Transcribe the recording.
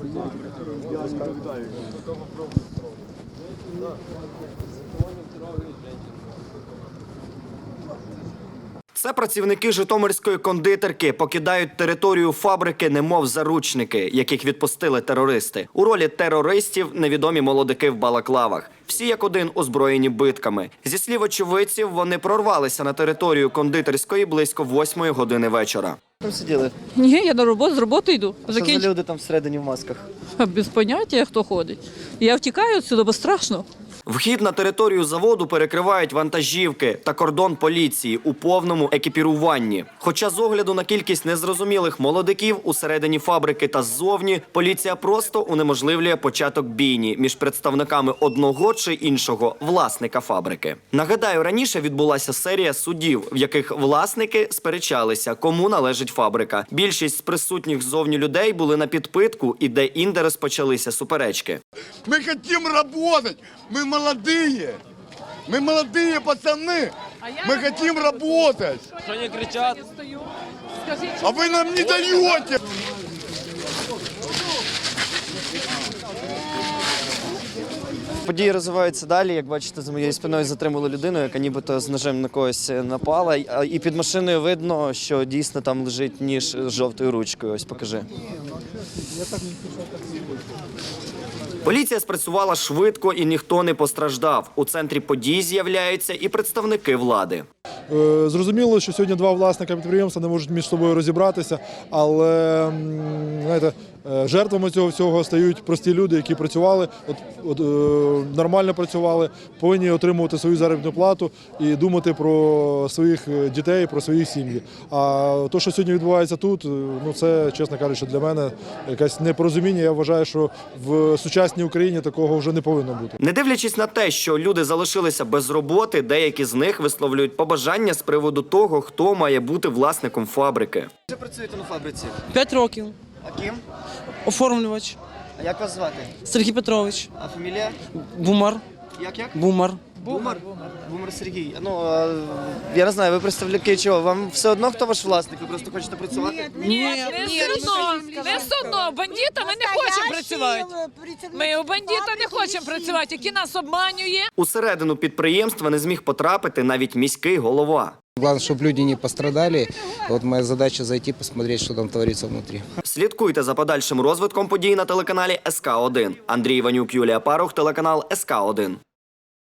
Це працівники житомирської кондитерки покидають територію фабрики немов заручники, яких відпустили терористи. У ролі терористів невідомі молодики в балаклавах. Всі як один озброєні битками. Зі слів очевидців, вони прорвалися на територію кондитерської близько 8 години вечора. Там сиділи? Ні, я на роботу, з роботи йду. Що за люди там всередині в масках? Без поняття, хто ходить. Я втікаю відсюди, бо страшно. Вхід на територію заводу перекривають вантажівки та кордон поліції у повному екіпіруванні. Хоча з огляду на кількість незрозумілих молодиків усередині фабрики та ззовні, поліція просто унеможливлює початок бійні між представниками одного чи іншого власника фабрики. Нагадаю, раніше відбулася серія судів, в яких власники сперечалися, кому належить фабрика. Більшість з присутніх ззовні людей були на підпитку і де-інде розпочалися суперечки. Ми хочемо працювати, ми молоді, пацани, ми хочемо працювати. Що не кричать? А ви нам не даєте. Події розвиваються далі. Як бачите, за моєю спиною затримали людину, яка нібито з ножем на когось напала. І під машиною видно, що дійсно там лежить ніж з жовтою ручкою. Ось покажи. Поліція спрацювала швидко і ніхто не постраждав. У центрі подій з'являються і представники влади. Зрозуміло, що сьогодні два власника підприємства не можуть між собою розібратися, але знаєте, жертвами цього всього стають прості люди, які працювали, нормально працювали, повинні отримувати свою заробітну плату і думати про своїх дітей, про свої сім'ї. А те, що сьогодні відбувається тут, це, чесно кажучи, для мене якесь непорозуміння. Я вважаю, що в сучасній Україні такого вже не повинно бути. Не дивлячись на те, що люди залишилися без роботи, деякі з них висловлюють побажання з приводу того, хто має бути власником фабрики. Ви працюєте на фабриці? 5 років. А ким? Оформлювач. А як вас звати? Сергій Петрович. А фамілія? Бумар. Як? Бумар. Бумар? Бумар Сергій. Я не знаю, ви представники чого? Вам все одно, хто ваш власник? Ви просто хочете працювати? Ні. Не все одно. Бандита ми не хочемо працювати. Ми у бандита не хочемо працювати, який нас обманює. Усередину підприємства не зміг потрапити навіть міський голова. Главное, чтобы люди не пострадали. Вот моя задача зайти, посмотреть, что там творится внутри. Слідкуйте за подальшим розвитком подій на телеканалі СК1. Андрій Іванюк, Юлія Парух, телеканал СК1.